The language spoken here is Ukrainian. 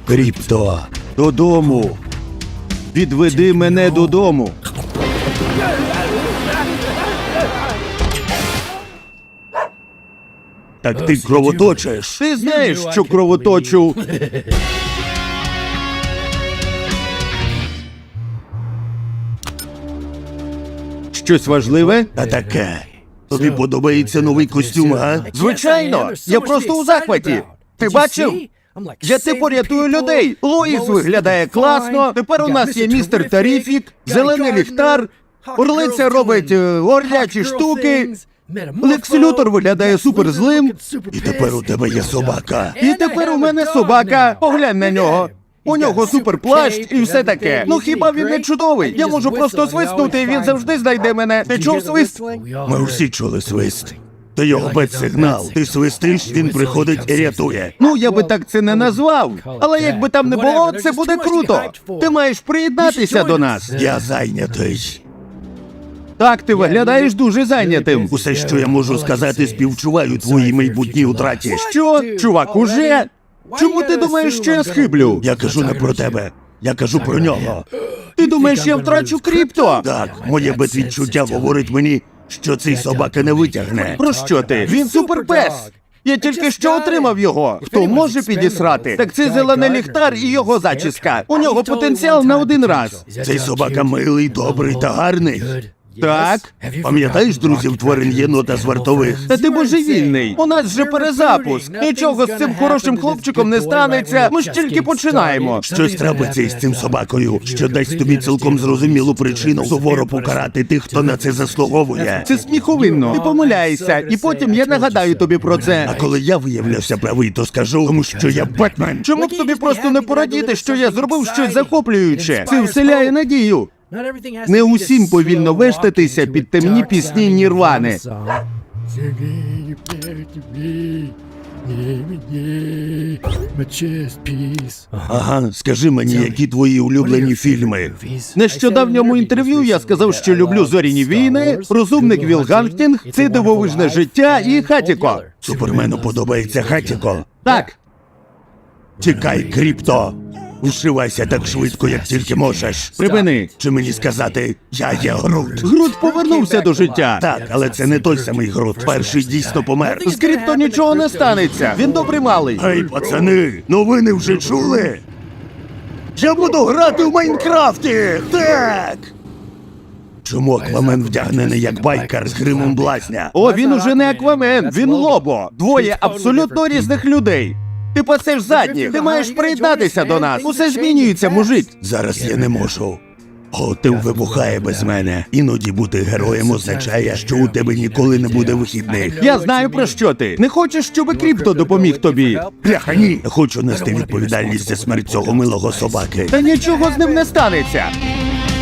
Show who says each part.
Speaker 1: Кріпто, додому. Відведи мене додому. Так ти кровоточиш. Ти знаєш, що кровоточу. Щось важливе? Та таке. Тобі подобається новий костюм, а? Звичайно! Я просто у захваті. Ти бачив? Я типу рятую людей. Лоїс виглядає класно. Тепер у нас є містер Таріфік, зелений ліхтар, Орлиця робить орлячі штуки. Лекс Лютор виглядає суперзлим. І тепер у тебе є собака. І тепер у мене собака. Поглянь на нього. У нього суперплащ і все таке. Ну хіба він не чудовий? Я можу просто свиснути, і він завжди знайде мене. Ти чув свист? Ми всі чули свист. Ти його бет-сигнал. Ти свистиш, він приходить і рятує. Ну, я би так це не назвав. Але якби там не було, це буде круто. Ти маєш приєднатися до нас. Я зайнятий. Так, ти виглядаєш дуже зайнятим. Усе, що я можу сказати, співчуваю твоїй майбутній утраті. Що? Чувак, уже? Чому ти думаєш, що я схиблю? Я кажу не про тебе. Я кажу про нього. Ти думаєш, я втрачу крипто? Так, моє бет-відчуття говорить мені, що цей собака не витягне. Про що ти? Він суперпес! Я тільки що отримав його. Хто може підісрати? Так це зелений ліхтар і його зачіска. У нього потенціал на один раз. Цей собака милий, добрий та гарний. Так. Пам'ятаєш друзів тварин єнота з вартових? Та ти божевільний. У нас же перезапуск. Нічого з цим хорошим хлопчиком не станеться. Ми ж тільки починаємо. Щось трапиться із цим собакою, що дасть тобі цілком зрозумілу причину суворо покарати тих, хто на це заслуговує. Це сміховинно. Ти помиляєшся, і потім я нагадаю тобі про це. А коли я виявлявся правий, то скажу, тому що я Бетмен. Чому б тобі просто не порадіти, що я зробив щось захоплююче? Це вселяє надію. Не усім повільно вештатися під темні пісні Нірвани. Ага, скажи мені, які твої улюблені фільми? В нещодавньому інтерв'ю я сказав, що люблю «Зоряні війни», «Розумник Вілл Гангстінг», «Це дивовижне життя» і «Хатіко». Супермену подобається «Хатіко»? Так. Чекай, Кріпто. Вшивайся так швидко, як тільки можеш. Припини. Чи мені сказати, я є Грут? Грут повернувся до життя. Так, але це не той самий Грут. Перший дійсно помер. З Кріпто нічого не станеться. Він добрий малий. Гей, пацани, новини вже чули? Я буду грати в Майнкрафті! Так! Чому Аквамен вдягнений як байкар з гримом блазня? О, він уже не Аквамен, він Лобо. Двоє абсолютно різних людей. Ти пасеш задніх, ти маєш приєднатися до нас. Усе змінюється, мужик. Зараз я не можу. О, ти вибухає без мене. Іноді бути героєм означає, що у тебе ніколи не буде вихідних. Я знаю, про що ти. Не хочеш, щоб Кріпто допоміг тобі? Бляха, ні. Хочу нести відповідальність за смерть цього милого собаки. Та нічого з ним не станеться.